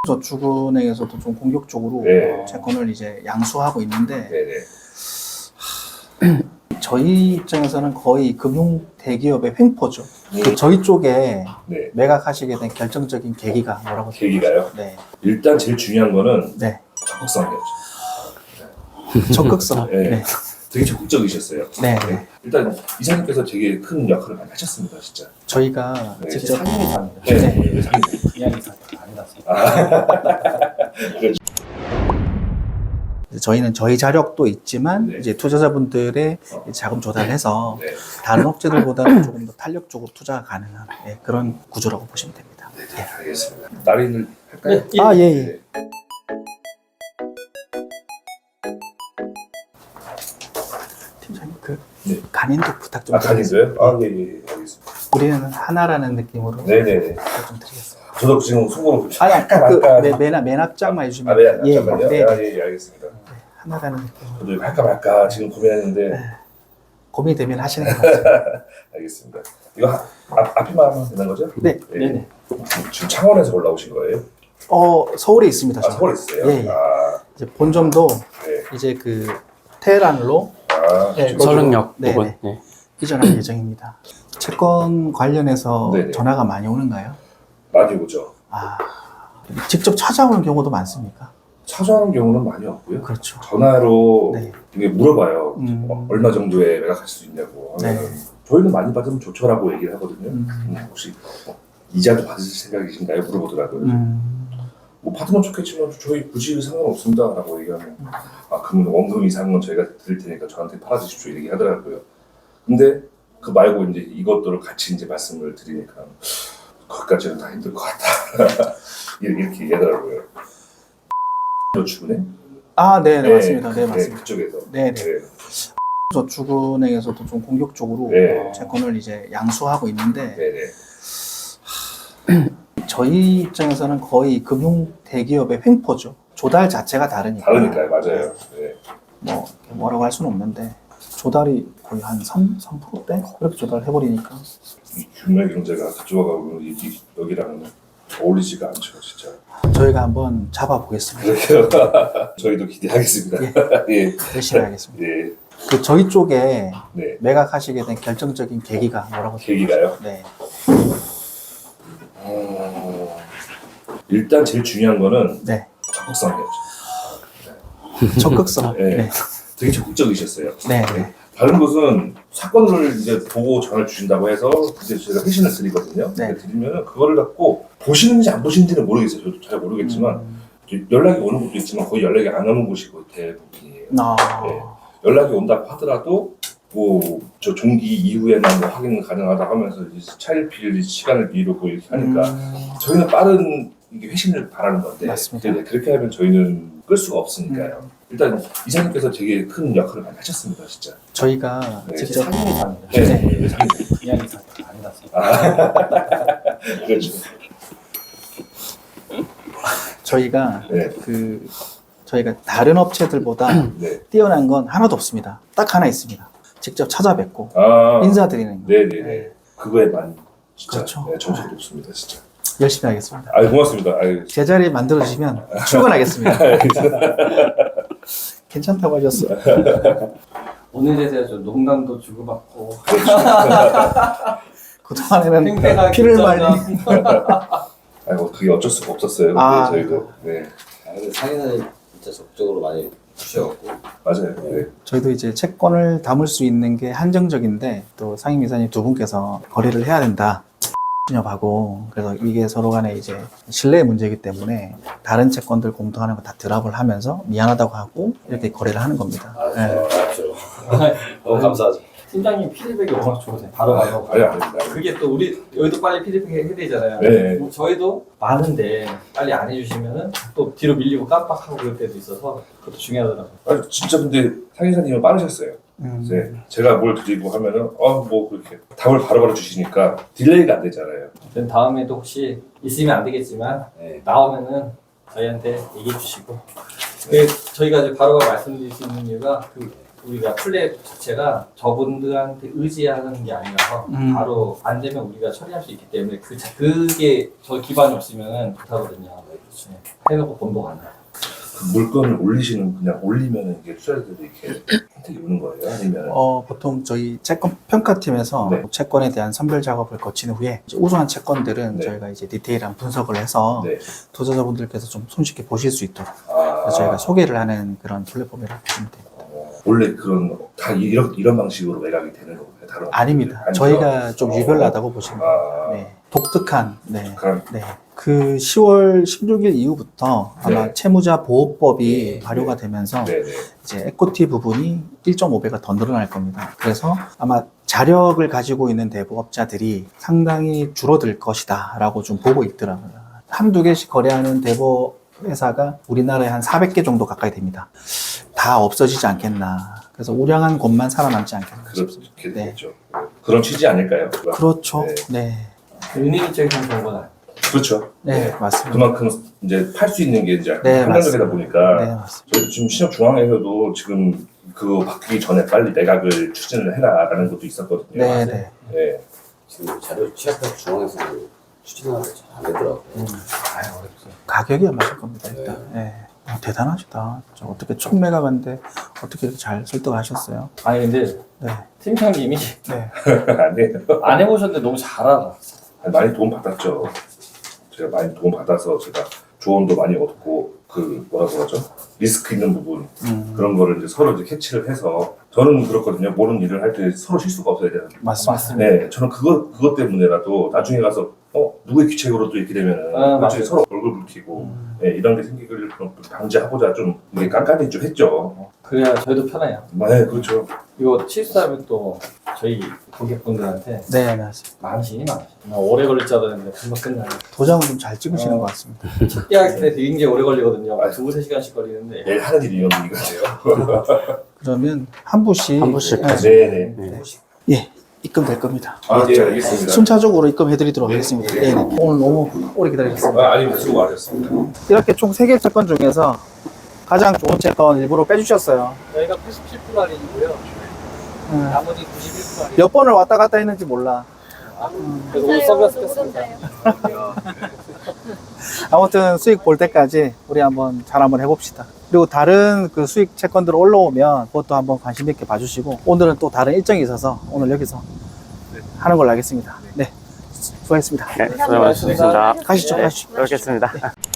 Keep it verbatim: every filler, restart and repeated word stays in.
저축은행에서도 좀 공격적으로 네. 채권을 이제 양수하고 있는데 네네. 저희 입장에서는 거의 금융 대기업의 횡포죠. 음. 그 저희 쪽에 네. 매각하시게 된 결정적인 계기가 뭐라고 계기가요? 네. 일단 제일 중요한 거는 네. 적극성이었죠. 적극성. 네. 네. 되게 적극적이셨어요. 네. 네. 일단 이사님께서 되게 큰 역할을 많이 하셨습니다, 진짜. 저희가 네. 직접 상임이사입니다. 네. 네. 네. 상임. 이야기사 아니다. 저희는 저희 자력도 있지만 네. 이제 투자자분들의 어. 자금 조달해서 네. 다른 업체들보다는 조금 더 탄력적으로 투자가 가능한 네, 그런 구조라고 보시면 됩니다. 네, 네, 알겠습니다. 날인을 할까요? 네. 아, 예, 예. 네. 팀장님, 그 네. 간인도 부탁 좀 아, 간이세요? 아, 예, 예, 알겠습니다. 우리는 하나라는 느낌으로 네네네. 부탁 좀 드리겠습니다. 저도 지금 속으로 아니, 약간 그, 아까 네, 매납, 매납장만 해주시면 아, 네, 예, 잠깐만요. 네, 아, 네, 예, 예, 알겠습니다. 하나라는 느낌으로 저도 할까 말까 지금 고민했는데 고민이 되면 하시는 것 같습니다. 알겠습니다. 이거 하, 앞, 앞에만 하면 되는 거죠? 네. 네네. 지금 창원에서 올라오신 거예요? 어, 서울에 있습니다. 아, 저는. 서울에 있어요? 예, 예. 아, 이제 본점도 네. 이제 그 테헤란으로 아, 네, 지금 거기로- 서른역 네, 부분. 네. 네. 이전할 예정입니다. 채권 관련해서 네네. 전화가 많이 오는가요? 많이 오죠. 아, 직접 찾아오는 경우도 많습니까? 찾아오는 경우는 많이 없고요. 그렇죠. 전화로 네. 이게 물어봐요. 음. 어, 얼마 정도에 매각할 수 있냐고 하면은 네. 저희는 많이 받으면 좋죠라고 얘기를 하거든요. 음. 음, 혹시 뭐 이자도 받으실 생각이신가요? 물어보더라고요. 음, 뭐 받으면 좋겠지만 저희 굳이 상관없습니다라고 얘기하면 아 그러면 원금 이상은 저희가 드릴 테니까 저한테 팔아주십시오 이렇게 하더라고요. 근데 그 말고 이제 이것들을 같이 이제 말씀을 드리니까 거기까지는 다 힘들 것 같다 이렇게 얘기하더라고요. 저축은행? 아, 네, 네, 맞습니다. 네, 그- 맞습니다. 그쪽에서. 네, 네. 저축은행에서도 좀 공격적으로 네. 채권을 이제 양수하고 있는데 네네. 저희 입장에서는 거의 금융 대기업의 횡포죠. 조달 자체가 다르니까. 다르니까요, 맞아요. 네. 뭐 뭐라고 할 수는 없는데 조달이 거의 한 삼, 삼 퍼센트대 그렇게 조달을 해버리니까. 이 규모의 경제가 그쪽하고 이- 이- 여기랑은 어울리지가 않죠, 진짜. 저희가 한번 잡아보겠습니다. 그래요. 저희도 기대하겠습니다. 예. 열심히 하겠습니다. 네. 그 저희 쪽에 네. 매각하시게 된 결정적인 계기가 뭐라고? 계기가요? 네. 어, 일단 제일 중요한 거는 네. 적극성이었죠. 적극성. 네. 네. 되게 적극적이셨어요. 네. 네. 다른 곳은 사건을 이제 보고 전화를 주신다고 해서 이제 제가 회신을 드리거든요. 네. 드리면 그거를 갖고 보시는지 안 보시는지는 모르겠어요. 저도 잘 모르겠지만 음. 연락이 오는 곳도 있지만 거의 연락이 안 오는 곳이 거의 대부분이에요. 아. 네. 연락이 온다고 하더라도 뭐 저 종기 이후에나 뭐 확인 가능하다 하면서 이제 차일피일 시간을 미루고 이렇게 하니까 음. 저희는 빠른 이게 회신을 바라는 건데 맞습니다. 네, 그렇게 하면 저희는 끌 수가 없으니까요. 음. 일단 이사님께서 되게 큰 역할을 많이 하셨습니다, 진짜. 저희가 네. 직접 상임이사입니다. 네, 네. 네, 상임. 이야기사 아니다. 아, 그렇죠. 저희가 네, 그 저희가 다른 업체들보다 네. 뛰어난 건 하나도 없습니다. 딱 하나 있습니다. 직접 찾아뵙고 아, 인사드리는 거. 네, 네, 네. 그거에만 진짜 그렇죠. 네, 점수가 높습니다, 진짜. 열심히 하겠습니다. 아, 고맙습니다. 아유. 제자리 만들어 주시면 출근하겠습니다. 괜찮다고 하셨어요. 오늘에 대해 좀 농담도 주고받고 그동안에는 팽팽하게 피를 말리. 아이고, 그게 어쩔 수가 없었어요. 아. 네, 저희도. 네, 아, 근데 상인은 진짜 적극적으로 많이 주셔갖고 맞아요. 네. 저희도 이제 채권을 담을 수 있는 게 한정적인데 또 상임이사님 두 분께서 거래를 해야 된다. 하고 그래서 이게 서로 간에 이제 신뢰의 문제이기 때문에 다른 채권들 공통하는 거 다 드랍을 하면서 미안하다고 하고 이렇게 거래를 하는 겁니다. 아, 네. 그렇죠. 너무 감사하죠. 팀장님 피드백이 워낙 좋으세요. 바로 바로. 아니, 아닙니다. 그게 또 우리 여기도 빨리 피드백 해야 되잖아요. 네. 뭐 저희도 많은데 빨리 안 해주시면은 또 뒤로 밀리고 깜빡하고 그럴 때도 있어서 그것도 중요하더라고요. 아니, 진짜 근데 상인사님은 빠르셨어요. 음. 네. 제가 뭘 드리고 하면은, 어, 뭐, 그렇게 답을 바로바로 주시니까 딜레이가 안 되잖아요. 그럼 다음에도 혹시 있으면 안 되겠지만 네. 나오면은 저희한테 얘기해 주시고 그 저희가 이제 바로바로 말씀드릴 수 있는 이유가 그 우리가 플랫 자체가 저분들한테 의지하는 게 아니라서 음. 바로 안 되면 우리가 처리할 수 있기 때문에 그 자- 그게 저 기반이 없으면 못하거든요. 그렇지. 해놓고 돈도 안 나. 그 물건을 올리시는 그냥 올리면 이게 투자자들이 이렇게 선택이 오는 거예요? 아니면 어, 보통 저희 채권 평가팀에서 네. 채권에 대한 선별 작업을 거친 후에 이제 우수한 채권들은 네. 저희가 이제 디테일한 분석을 해서 네. 투자자분들께서 좀 손쉽게 보실 수 있도록 아, 그래서 저희가 소개를 하는 그런 플랫폼이라고 보시면 됩니다. 어, 원래 그런 다 이런 이런 방식으로 매각이 되는 건가요? 다른 아닙니다. 아니죠? 저희가 좀 어. 유별나다고 보시면 돼요. 아, 네. 독특한, 네. 그럼 네. 그 시월 십육일 이후부터 아마 네. 채무자 보호법이 네. 발효가 되면서 네네. 이제 에코티 부분이 일 점 오 배가 더 늘어날 겁니다. 그래서 아마 자력을 가지고 있는 대부업자들이 상당히 줄어들 것이다 라고 좀 보고 있더라고요. 한두 개씩 거래하는 대부 회사가 우리나라에 한 사백 개 정도 가까이 됩니다. 다 없어지지 않겠나. 그래서 우량한 곳만 살아남지 않겠나 싶습니다. 그렇게 네. 되겠죠. 그런 취지 아닐까요? 그렇죠. 네. 네. 은행 입장에서는 좋은 건 아니에요. 그렇죠. 네, 맞습니다. 그만큼 이제 팔 수 있는 게 이제 네, 한정적이다 맞습니다. 보니까 네, 맞습니다. 저희 지금 신협중앙에서도 지금 그거 바뀌기 전에 빨리 매각을 추진을 해라라는 것도 있었거든요. 네, 네. 네. 지금 자료 취약해서 중앙에서 추진하는 게잘안 되더라고요. 아유, 어렵지. 가격이 안 맞을 겁니다, 일단. 네. 어, 대단하시다. 저 어떻게 총매각한데 어떻게 이렇게 잘 설득하셨어요? 아니, 근데 네. 팀장님이 네. 네. 아니에요. 안 해보셨는데 너무 잘 알아. 많이 도움 받았죠. 제가 많이 도움 받아서 제가 조언도 많이 얻고 그 뭐라고 하죠? 리스크 있는 부분 음, 그런 거를 이제 서로 이제 캐치를 해서 저는 그렇거든요. 모르는 일을 할 때 서로 실수가 없어야 되는. 맞습니다. 네, 저는 그거 그것 때문에라도 나중에 가서 어 누구의 귀책으로 또 이렇게 되면은 아, 나중에 맞아요. 서로 얼굴 붉히고 음. 네, 이런 게 생기기를 좀 방지하고자 좀 이게 깐깐히 좀 했죠. 그래야 저희도 편해요. 네, 그렇죠. 이거 실수하면 또 저희 고객분들한테 네, 맞습니다. 망신이 망신. 뭐 오래 걸릴 줄 알았는데 금방 끝나요. 도장을 좀 잘 찍으시는 어. 것 같습니다. 특이하게 때 굉장히 오래 걸리거든요. 아. 두세 시간씩 걸리는데. 내일 하는 일이 이런 이거예요. 그러면 한 분씩 한 분씩 네. 네, 네. 예, 입금될 겁니다. 아, 네, 알겠습니다. 순차적으로 입금해드리도록 네. 하겠습니다. 네. 네. 네. 오늘 너무 오래 기다리겠습니다. 아, 아니면 수고 많으셨습니다. 이렇게 총 세 개 채권 중에서 가장 좋은 채권 일부러 빼주셨어요. 저희가 팔십칠 퍼센트 할인이고요. 음, 나머지 구십일 퍼센트 할인. 몇 번을 왔다 갔다 했는지 몰라. 그래서 오늘 선글라스 꼈습니다. 아무튼 수익 볼 때까지 우리 한번 잘 한번 해봅시다. 그리고 다른 그 수익 채권들 올라오면 그것도 한번 관심 있게 봐주시고 오늘은 또 다른 일정이 있어서 오늘 여기서 하는 걸로 하겠습니다. 네, 수고하셨습니다. 네, 수고 많으셨습니다. 가시죠, 네, 가시죠. 뵙겠습니다.